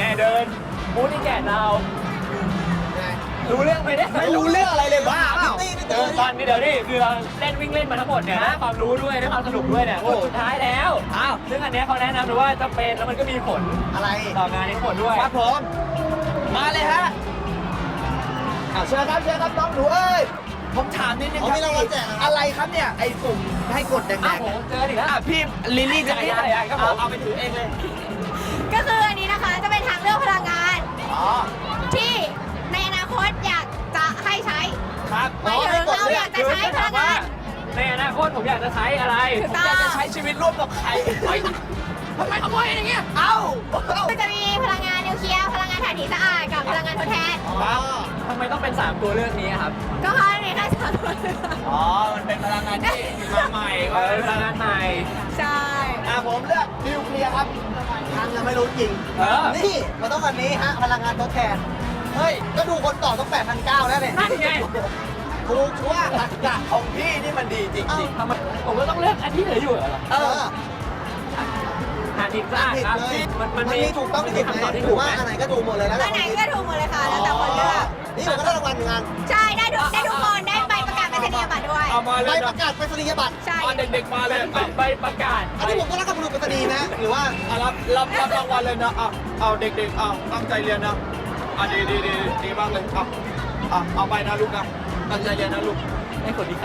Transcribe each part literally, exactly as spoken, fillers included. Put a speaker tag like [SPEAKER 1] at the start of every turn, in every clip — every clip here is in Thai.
[SPEAKER 1] เดินบูธที่แก่เรารู้เรื่องไหมเนี่ย
[SPEAKER 2] ไม่รู้เรื่องอะไรเลยบ้าเปล่า
[SPEAKER 1] เออตอนนี้เดี๋ยวนี่คือเราเล่นวิ่งเล่นมาทั้งหมดเนี่ยได้ความรู้ด้วยได้ความสนุกด้วยเนี่ยสุดท้ายแล้วอ้าวซึ่งอันเนี้ยเขาแนะนำเลยว่าจะเป็นแล้วมันก็มีผล
[SPEAKER 2] อะไร
[SPEAKER 1] ต่องานนี้ผลด้วย
[SPEAKER 2] ครับผมมาเลยฮะอ้าวเชิญครับเชิญครับน้องหนูเอ้ยผมถามนิดนึงครับอะไรครับเนี่ยไอ้ปุ่มให้กดแด
[SPEAKER 1] อ้าว
[SPEAKER 2] ง
[SPEAKER 1] โห
[SPEAKER 2] ๆ
[SPEAKER 1] เจออีกแล้ว
[SPEAKER 2] อ่ะพี่ลิลลี่จะ
[SPEAKER 1] จักรยานจักรยานครับผม
[SPEAKER 2] เอาไปถือเองเลย
[SPEAKER 3] ก็คืออันนี้นะคะจะเป็นทางเลือกพลังงาน
[SPEAKER 2] อ๋อ
[SPEAKER 3] ที่ในอนาคตอยากจะให้ใช้
[SPEAKER 2] ครับ
[SPEAKER 3] หมายถึงเราอยากจะใช้พลังงาน
[SPEAKER 1] ในอนาคตผมอยากจะใช้อะไร
[SPEAKER 3] ถูก
[SPEAKER 2] ผม
[SPEAKER 3] ต้อง
[SPEAKER 2] อยากจะใช้ชีวิตร่วมกับใครเฮ้ยทำไมขโมยอย่างเงี้ยเอ้าเอ้า
[SPEAKER 3] ก็จะมีพลังงานนิวเคลียร์พลังงานถ่านหินสะอาดกับพลังงานทดแทน
[SPEAKER 2] อ๋อ
[SPEAKER 1] ทำไมต้องเป็นสามตัวเลือกนี้ครับ
[SPEAKER 3] ก็เพราะในแค่สามตัว
[SPEAKER 2] อ๋อมันเป็นพลังงานที่มาใหม่
[SPEAKER 1] เออพลังงานใหม่
[SPEAKER 3] ใช่
[SPEAKER 2] อ่ะผมเลือกนิวเคลียร์ครับทางยังไม่รู้จริง
[SPEAKER 1] เออ
[SPEAKER 2] นี่มันต้องอันนี้ฮะพลังงานทดแทนเฮ้ยก็ดูคนต่อต้องแปดพันเก้าแล้วเนี่ย
[SPEAKER 1] นั่นไง
[SPEAKER 2] กูว่าหลักการของพี่นี่มันดีจริง
[SPEAKER 1] ทำไมผมก็ต้องเลือกอันที่เหลืออยู่เหรอ
[SPEAKER 2] ๆเออ
[SPEAKER 1] หาดิบสะอาดครับมันมัน
[SPEAKER 2] มัน
[SPEAKER 1] มี
[SPEAKER 2] มีถูกต้องที่ผิด
[SPEAKER 1] คำตอบ
[SPEAKER 2] ไหม
[SPEAKER 1] ที่
[SPEAKER 2] ห
[SPEAKER 1] ถู
[SPEAKER 2] รื
[SPEAKER 1] ก
[SPEAKER 2] อว่า
[SPEAKER 1] ไหม
[SPEAKER 2] อันไหนก็ถูกหมดเลยแล้ว
[SPEAKER 3] อันไหนก็ถูกหมดเลยค่ะแล้วแต่คนเลือก
[SPEAKER 2] นี่มันก็ได้รางวัลเหมือนกัน
[SPEAKER 3] ใช่ได้ทุกได้ทุกคนได้ใบประกาศไปรษณียบัตรด้วย
[SPEAKER 1] เอามาเล
[SPEAKER 2] ใบ
[SPEAKER 1] ย
[SPEAKER 2] ประกาศไปรษณียบัตร
[SPEAKER 3] ใช่
[SPEAKER 1] เด็กๆมาเลยใบประกาศ
[SPEAKER 2] อันนี้ผมก็รับกับบุรุษไปรษณีย์นะหรือว่า
[SPEAKER 4] อ่ะรับรับรับรางวัลเลยนะอ่ะเอาเด็กๆเอาตั้งใจเรียนนะอ่ะดีดีดีดีมากเลยเอาอ่ะเอาไปนะลูกนะตั้งใจเรียนนะลูก
[SPEAKER 1] ไอ้คนนี้ใคร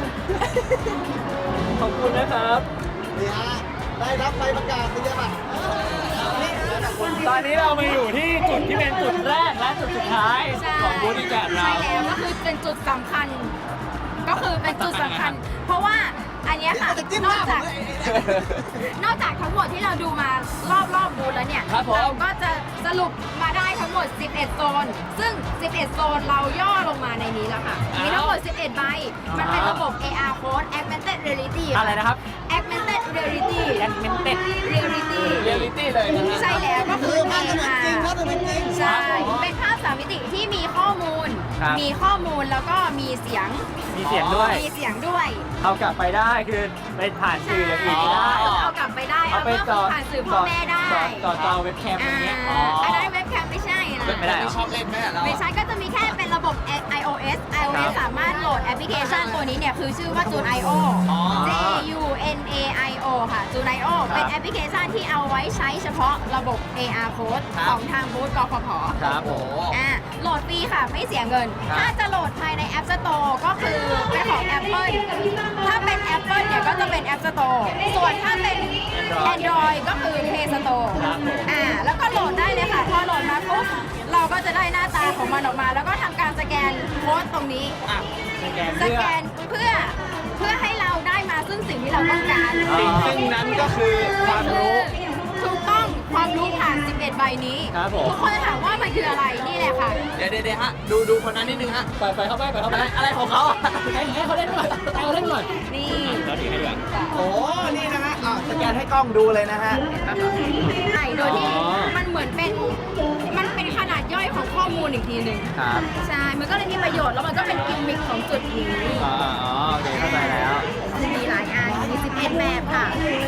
[SPEAKER 1] ขอบคุณนะครับ
[SPEAKER 2] นี่ฮะได้รับใบประกาศนียบัตรนี่ฮะ
[SPEAKER 1] ตอนนี้เรามาอยู่ที่จุดที่เป็นจุดแรกและจุดสุดท้าย
[SPEAKER 3] ใช่
[SPEAKER 1] ของบูธที่แกะเรา
[SPEAKER 3] ใช่แล้วก็คือเป็นจุดสำคัญ ก็คือเป็นจุดสำคัญ เพราะว่าอันเนี้ยค่ะ
[SPEAKER 2] จะจิ้ม
[SPEAKER 3] น
[SPEAKER 2] ห
[SPEAKER 3] อก
[SPEAKER 2] น้าผ
[SPEAKER 3] จาก
[SPEAKER 2] มเลย
[SPEAKER 3] นอกจากทั้งหมดที่เราดูมารอบรอบบูธแล้วเนี่ย
[SPEAKER 1] ครับผม
[SPEAKER 3] เราก็จะสรุปมาได้ทั้งหมด สิบเอ็ด โซน ซึ่ง สิบเอ็ด โซนเราย่อลงมาในนี้แล้วค่ะ มีทั้งหมด สิบเอ็ด ใบ มันเป็นระบบ เอ อาร์ Code Augmented Reality
[SPEAKER 1] อะไรนะครับ
[SPEAKER 3] Augmented Reality
[SPEAKER 1] Augmented
[SPEAKER 3] Reality
[SPEAKER 1] เรียลลิตี้เลยนะฮะ
[SPEAKER 3] ใช่แล้วก็
[SPEAKER 2] คื
[SPEAKER 3] คือ อ
[SPEAKER 2] ภาพจะเหมือนจริงภาพจะเหมือนจริง
[SPEAKER 3] ใช่ เป็นภาพสามมิติที่มีข้อมูล
[SPEAKER 1] ครับ
[SPEAKER 3] มีข้อมูลแล้วก็มีเสียง
[SPEAKER 1] มีเสียงด้วย
[SPEAKER 3] มีเสียงด้วย
[SPEAKER 1] เอากลับไปได้คือไปผ่านสื่ออย่างอื่นไม่ได้
[SPEAKER 3] เอากลับไปได้
[SPEAKER 1] เอา
[SPEAKER 3] เอา
[SPEAKER 1] ไป
[SPEAKER 3] ก็
[SPEAKER 1] จอ
[SPEAKER 3] ผ่านสื่อพ่อแม่ได้
[SPEAKER 1] จอจอเว็บแคมอย่างเงี้ยอ๋อ
[SPEAKER 3] อันนั้นเว็บแคมไม่ใช่นะ
[SPEAKER 1] ไม่ได้เหรอ
[SPEAKER 4] ชอบเล่นไหมเรา
[SPEAKER 3] ไม่ใช่ก็จะมีแค่เป็นระบบ iOS
[SPEAKER 1] ครั
[SPEAKER 3] iOS
[SPEAKER 1] บ
[SPEAKER 3] สามารถโหลดแอปพลิเคชันตัวนี้เนี่ยคือชื่อว่า June ไอ โอ J U N A I O ค่ะ June ไอ โอ เป็นแอปพลิเคชันที่เอาไว้ใช้เฉพาะระบบ เอ อาร์ Code ของทางบูธกฟผ
[SPEAKER 1] ครับผม
[SPEAKER 3] อ่าโหลดฟรีค่ะ ไม่เสียเงิน
[SPEAKER 1] ครับ
[SPEAKER 3] ถ้าจะโหลดภายใน App Store ก็คือเป็นของ Apple ถ้าเป็น Apple เนี่ยก็จะเป็น App Store ส่วนถ้าเป็น Android ก็คือ Play Store
[SPEAKER 1] ครับผม
[SPEAKER 3] อ่าแล้วก็โหลดได้เลยค่ะ พอโหลดมาปุ๊บเราก็จะได้หน้าตาของมันออกมา แล้วก็ทำการสแกนโค้ดตรงนี้
[SPEAKER 1] อ่ะสแกน
[SPEAKER 3] ส
[SPEAKER 1] เพื่อ
[SPEAKER 3] แกนเพื่อเพื่อให้เราได้มาซึ่งสิ่งที่เราต้องการ
[SPEAKER 1] อ๋อ
[SPEAKER 4] สิ่งซึ่งนั้นก็คือความรู้
[SPEAKER 3] ถูกต้องความรู้ผ่าน สิบเอ็ด ใบนี้
[SPEAKER 1] ครับผม
[SPEAKER 3] ทุกคนจะถามว่ามันคืออะไรนี่แหละค่ะ
[SPEAKER 4] เดี๋ยวเดี๋ยวฮะดูดูคนนั้นนิดนึงฮะ
[SPEAKER 1] ปล่อยปล่อยเข้าไปปล่อยเข้าไป
[SPEAKER 4] อะไรอะไรของเขาอ่ะ
[SPEAKER 1] ให้ให้เขาเล่นหน่อยให้เขาเล่นหน่อย
[SPEAKER 3] นี่
[SPEAKER 1] เราถือให้ด้วย
[SPEAKER 2] โอ้นี่นะฮะอ่ะสแกนให้กล้องดูเลยนะฮะ
[SPEAKER 3] ใช่โดยที่
[SPEAKER 1] อ๋อ
[SPEAKER 3] มันเหมือนเป็น มันเป็นขนาดย่อยของข้อมูลอีกทีหนึ่ง
[SPEAKER 1] ครับ
[SPEAKER 3] ใช่ มันก็เลยมีประโยชน์แล้วมันก็เป็นกิมมิคของจุดนี้
[SPEAKER 1] อ๋ออ๋อโอเคเข้าใจแล้ว
[SPEAKER 3] มีหลายอัน มี สิบเอ็ด แบบค่ะ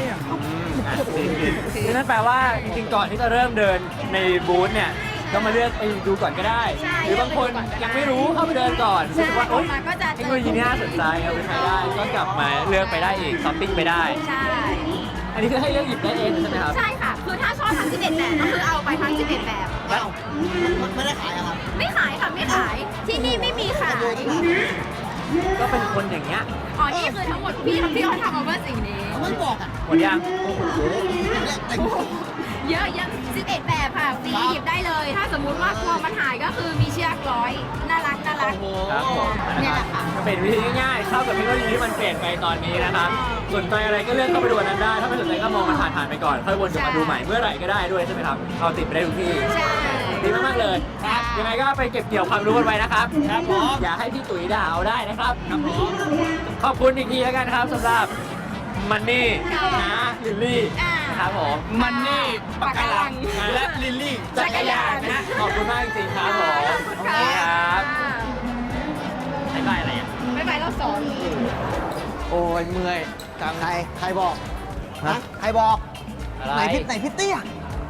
[SPEAKER 1] คือนั่นแปลว่าจริงๆก่อนที่จะเริ่มเดินในบูธเนี่ยก็มาเลือกไปดูก่อนก็ได้
[SPEAKER 3] ใช่
[SPEAKER 1] หรือบางคนยังไม่รู้เข้าไปเดินก่อน
[SPEAKER 3] ใช่
[SPEAKER 1] รู้สึกว่าโอ๊ย
[SPEAKER 3] ออกมาก็จะ
[SPEAKER 1] เทคโนโลยีนี้น่าสนใจเอาไปใช้ได้ก็กลับมาเลือกไปได้อีกช้อปปิ้งไปได้
[SPEAKER 3] ใช่
[SPEAKER 1] อันนี้คือให้เลือกหยิบได้เองใช่ไหมครับ
[SPEAKER 3] ใช่ค่ะ คือถ้าชอบทั้ง สิบเอ็ด แบบก็คือเอาไปทั้ง สิบเอ็ด แบบ
[SPEAKER 2] อ้าวมันไม่ได้ขายอะครับ
[SPEAKER 3] ไม่ขายค่ะ ไม่ขาย ที่นี่ไม่มีขาย
[SPEAKER 1] ก็เป็นคนอย่างเงี้ย
[SPEAKER 3] อ๋อ นี่คือทั้งหมดพี่พี่เขาทำมาเพื่อสิ่งนี้
[SPEAKER 2] ไม่บอกอ่ะ
[SPEAKER 1] หมดยัง
[SPEAKER 2] เนี่ยแต่ง
[SPEAKER 3] เยอะเยอะสิบเอ็ด แบบค่ะฟรีหยิบได้เลย ถ้าสมมุติว่ากลัวมันหายก็คือมีเชือกร้อย น่ารักน่ารัก
[SPEAKER 1] ครับผม
[SPEAKER 3] เนี่ยแหละค่ะ
[SPEAKER 1] ก็เป็นวิธีง่ายๆเข้ากับเทคโนโลยีที่มันเปลี่ยนไปตอนนี้นะครับสนใจอะไรก็เลือกเข้าไปดูอันนั้นได้ ถ้าไม่สนใจก็มองมันผ่านๆไปก่อนค่อยวนกลับมาดูใหม่เมื่อไหร่ก็ได้ด้วยใช่ไหมครับเอาติดไปได้ทุกที่
[SPEAKER 3] ใช่
[SPEAKER 1] ดีมากๆเลยครับยังไงก็ไปเก็บเกี่ยวความรู้กันไว้นะครับ
[SPEAKER 4] ครับผม
[SPEAKER 1] อย่าให้พี่ตุ๋ยด่าเอาได้นะครับครับผมขอบคุณอีกทีแล้วกันครับสำหรับมันนี่นะลิลลี่
[SPEAKER 3] อ่า
[SPEAKER 1] ครับผม
[SPEAKER 4] มันนี่ปากการังและลิลลี่
[SPEAKER 1] จักรยานนะขอบคุณมากจริงๆครับผม
[SPEAKER 3] ขอบคุณค่ะ
[SPEAKER 1] ครับบ๊ายบายอะไรอ่ะ
[SPEAKER 3] บ๊ายบายรอบสอง
[SPEAKER 4] โอ้ยเมื่อยจัง
[SPEAKER 2] ใครใครบอกฮะใครบอก
[SPEAKER 1] อะไร
[SPEAKER 2] ไหนพี่ไหนพี่เตี้ย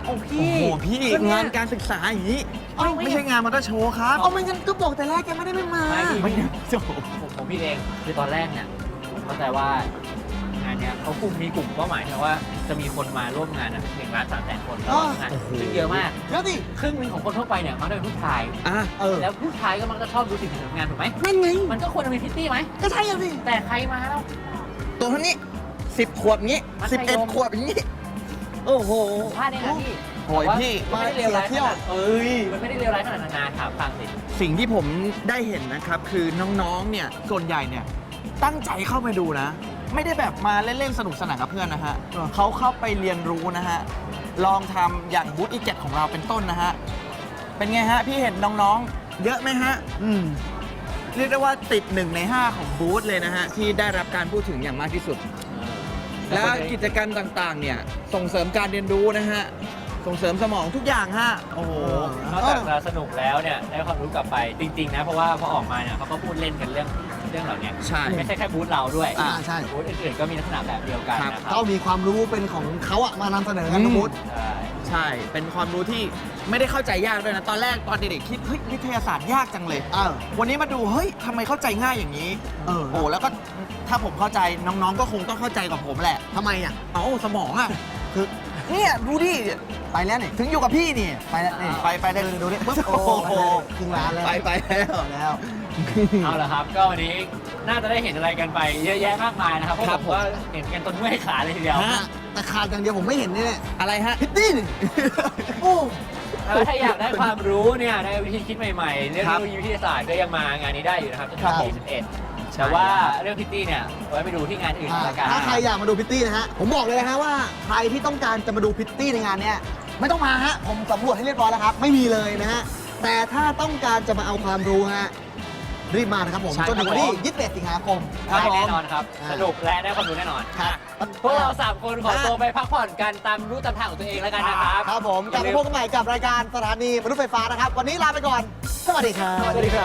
[SPEAKER 2] โอ้พี่
[SPEAKER 4] โอ้โหพี่
[SPEAKER 2] ก็เนี่ย
[SPEAKER 4] งานการศึกษาอย่างนี้
[SPEAKER 2] เอ้า
[SPEAKER 4] ไม่ใช่งานมอเตอร์โชว์ครับ
[SPEAKER 2] เอาไม่งั้นก็บอกแต่แรกแกไม่ได้ไม่มา
[SPEAKER 1] ไม่พี่
[SPEAKER 4] ไม่
[SPEAKER 1] พี่
[SPEAKER 4] โอ้โห
[SPEAKER 1] ผมผมพี่เองคือตอนแรกเนี่ยผมเข้าใจว่างานเนี้ยเขากลุ่มมีกลุ่มเป้าหมายนะว่าจะมีคนมาร่วมงานอ่ะหนึ่งล้านสามแสนคนแล้วงานซึ่งเยอะมาก
[SPEAKER 2] แล้วดิ
[SPEAKER 1] ครึ่งหนึงของคนทั่วไปเนี่ยมักจะเป็นผู้ชาย
[SPEAKER 4] อ่ะ
[SPEAKER 2] เออ
[SPEAKER 1] แล้วผู้ชายก็มักจะชอบดูสิ่งที่ทำงานถูกไหม
[SPEAKER 2] นั่นไง
[SPEAKER 1] มันก็ควรจะมีพิตตี้ไหม
[SPEAKER 2] ก็ใช่อะสิ
[SPEAKER 1] แต่ใครมาแล้ว
[SPEAKER 2] ตัวเท่านี้สิบขวบงี้
[SPEAKER 1] มัธยม
[SPEAKER 2] สิบเอ็ดขวบอย่างงี้ โอ้โห
[SPEAKER 1] พลาดเองนะพี่
[SPEAKER 2] โอ้ยพี่
[SPEAKER 1] มันไม่ได้เลวร้าย
[SPEAKER 2] มาเสียเที่
[SPEAKER 1] ข
[SPEAKER 2] ยว
[SPEAKER 1] นาดเอ้ยมันไม่ได้เลวร้ายขนาดนานาถามฟังสิ
[SPEAKER 4] สิ่งที่ผมได้เห็นนะครับ คือน้องๆ เนี่ย ส่วนใหญ่เนี่ย ตั้งใจเข้าไปดูนะ ไม่ได้แบบมาเล่นๆ สนุกสนานกับเพื่อนนะฮะเขาเข้าไปเรียนรู้นะฮะ ลองทำอย่างบูธอีเจ็ดของเราเป็นต้นนะฮะ เป็นไงฮะ พี่เห็นน้องๆ เยอะไหมฮะ
[SPEAKER 2] อืม
[SPEAKER 4] เรียกได้ว่าติดหนึ่งในห้าของบูธเลยนะฮะ ที่ได้รับการพูดถึงอย่างมากที่สุด และกิจกรรมต่างๆ เนี่ย ส่งเสริมการเรียนรู้นะฮะ ส่งเสริมสมองทุกอย่างฮะ โอ้โห
[SPEAKER 1] นอกจากจะสนุกแล้วเนี่ยได้ความรู้กลับไปจริงๆนะเพราะว่าพอออกมาเนี่ยเขาก็พูดเล่นกันเรื่องเรื่องเหล่านี้
[SPEAKER 4] ใช่
[SPEAKER 1] ไม่ใช่แค่บูธเราด้วย
[SPEAKER 2] อ่าใช่
[SPEAKER 1] บูธอื่นๆก็มีลักษณะแบบเดียวกันนะครั
[SPEAKER 2] เขามีความรู้เป็นของเขาอะมานำเสนอกันทุกมุด
[SPEAKER 1] ใช่
[SPEAKER 4] ใช่ เป็นความรู้ที่ไม่ได้เข้าใจยากด้วยนะ ตอนแรกตอนเด็กๆคิด เฮ้ย วิทยาศาสตร์ยากจังเลย
[SPEAKER 2] เออ
[SPEAKER 4] วันนี้มาดู เฮ้ยทำไมเข้าใจง่ายอย่างนี้
[SPEAKER 2] เออ
[SPEAKER 4] โอ้ แล้วก็ถ้าผมเข้าใจน้องๆ ก็คงต้องเข้าใจกับผมแหละ
[SPEAKER 2] ทำไมอะ
[SPEAKER 4] เอ้าสมองอ่ะ
[SPEAKER 2] คือ
[SPEAKER 4] เนี่ยดูดิ
[SPEAKER 2] ไปแล้วนี่
[SPEAKER 4] ถึงอยู่กับพี่นี่
[SPEAKER 2] ไปแล้วนี่
[SPEAKER 4] ไปไปได้
[SPEAKER 2] ดูดิปุ๊บ
[SPEAKER 4] โอ้
[SPEAKER 2] โอ้
[SPEAKER 4] โห
[SPEAKER 2] โหครึ่งล้านแล้ว
[SPEAKER 4] ไปไปแล้ว
[SPEAKER 2] แล้ว
[SPEAKER 1] เอาละครับ ก็วันนี้น่าจะได้เห็นอะไรกันไปเยอะแยะมากมายนะครับเพราะ
[SPEAKER 4] ครั
[SPEAKER 1] ผ
[SPEAKER 4] บ
[SPEAKER 1] มก็เห็นกันจนเมื่อยขาเลยทีเดียว
[SPEAKER 4] ฮะ
[SPEAKER 2] แต่ขาดอย่างเดียวผมไม่เห็นนี่แหละ
[SPEAKER 4] อะไรฮะ
[SPEAKER 2] พิตตี้นี่โอ้
[SPEAKER 1] แล้วถ้าอยากได้ความรู้เนี่ยได้วิธีคิดใหม่ๆ เรื่อง
[SPEAKER 4] ค
[SPEAKER 1] เท
[SPEAKER 4] รั
[SPEAKER 1] ค
[SPEAKER 4] บ
[SPEAKER 1] โนโลยีวิทยาศาสตร์ก็ยังมางานนี้ได้อยู่นะครับจน
[SPEAKER 2] ครั
[SPEAKER 1] ถึ
[SPEAKER 2] บ
[SPEAKER 1] งที่สิบเอ็ดแต่ว่าเรื่องพิตตี้เนี่ยไว้ไปดูที่งานอื่นละกัน
[SPEAKER 2] ถ้าใครอยากมาดูพิตตี้นะฮะ ผมบอกเลยนะฮะว่าใครที่ต้องการจะมาดูพิตตี้ในงานเนี้ยไม่ต้องมาฮะ ผมสำรวจให้เรียบร้อยแล้วครับ ไม่มีเลยนะฮะ แต่ถ้าต้องการจะมาเอาความรู้ฮะ รีบมานะครับผม
[SPEAKER 1] ใช่
[SPEAKER 2] จนถึงวันที่
[SPEAKER 1] ครับผม
[SPEAKER 2] ยี่สิบเอ็ดสิงหาคม
[SPEAKER 1] ได้แน่นอนครับ
[SPEAKER 2] อ่า
[SPEAKER 1] สนุกและได้ความรู้แน่นอน
[SPEAKER 2] ครับ
[SPEAKER 1] พวกเราสามคนขอตัวไปพักผ่อนกันตามรู้ตามทางของตัวเองแล้วกันนะครับ
[SPEAKER 2] ครับผมกลับมาพบกันใหม่กับรายการสถานีมนุษย์ไฟฟ้านะครับ วันนี้ลาไปก่อน สวัสดีครับ
[SPEAKER 1] สวัสดีครับ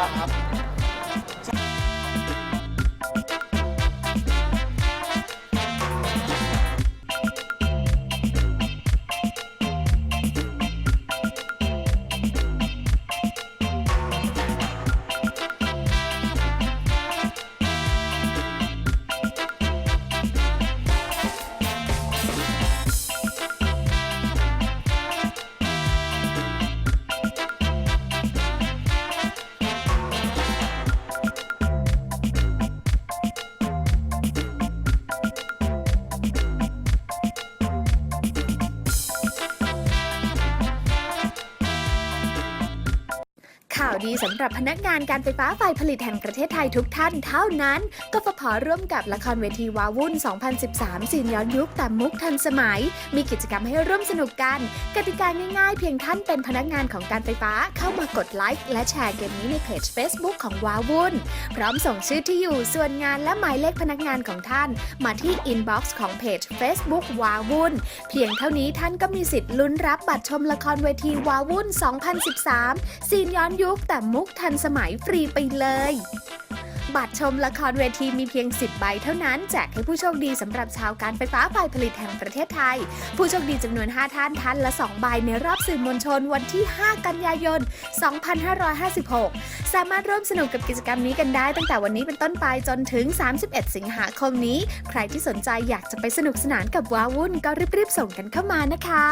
[SPEAKER 5] ข่าวดีสำหรับพนักงานการไฟฟ้าฝ่ายผลิตแห่งประเทศไทยทุกท่านเท่านั้นกฟผ.ร่วมกับละครเวทีวาวุ่น สองพันสิบสาม ซีนย้อนยุคแต่มุกทันสมัย มีกิจกรรมให้ร่วมสนุกกัน กติกาง่ายๆ เพียงท่านเป็นพนักงานของการไฟฟ้าเข้ามากดไลค์และแชร์เกมนี้ในเพจ Facebook ของวาวุ่น พร้อมส่งชื่อที่อยู่ส่วนงานและหมายเลขพนักงานของท่าน มาที่อินบ็อกซ์ของเพจ Facebook วาวุ่น เพียงเท่านี้ท่านก็มีสิทธิ์ลุ้นรับบัตรชมละครเวทีวาวุ่น สองพันสิบสาม ซีนย้อนยุคแต่มุกทันสมัยฟรีไปเลย บัตรชมละครเวทีมีเพียงสิบใบเท่านั้นแจกให้ผู้โชคดีสำหรับชาวการไฟฟ้าฝ่ายผลิตแห่งประเทศไทย ผู้โชคดีจำนวนห้าท่านท่านละสองใบในรอบสื่อมวลชนวันที่ห้ากันยายน สองพันห้าร้อยห้าสิบหก สามารถร่วมสนุกกับกิจกรรมนี้กันได้ตั้งแต่วันนี้เป็นต้นไปจนถึงสามสิบเอ็ดสิงหาคมนี้ใครที่สนใจอยากจะไปสนุกสนานกับว้าวุ่นก็รีบๆส่งกันเข้ามานะคะ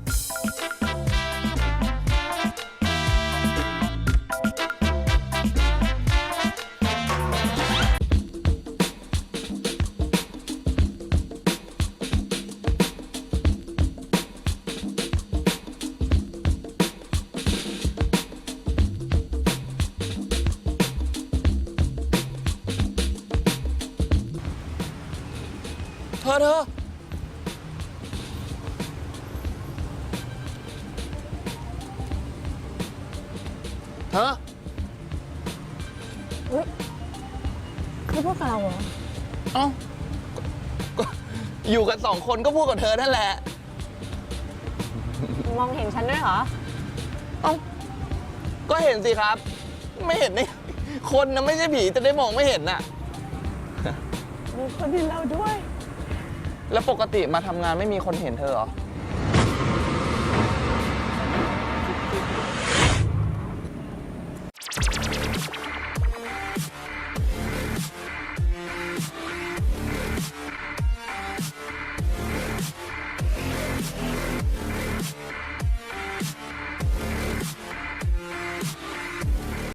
[SPEAKER 4] เธอเธอเธอ
[SPEAKER 6] เขาพูดกับเราเหรอ
[SPEAKER 4] เอ้าก็อยู่กันสองคนก็พูดกับเธอนั่นแหละ
[SPEAKER 6] มองเห็นฉันด้วยเหรอ
[SPEAKER 4] เอ้า ก็เห็นสิครับ ไม่เห็นนี่ คนนะไม่ใช่ผีจะได้มองไม่เห็นน่ะ
[SPEAKER 6] มีคนเห็นเราด้วย
[SPEAKER 4] แล้วปกติมาทำงานไม่มีคนเห็นเธอเหรอ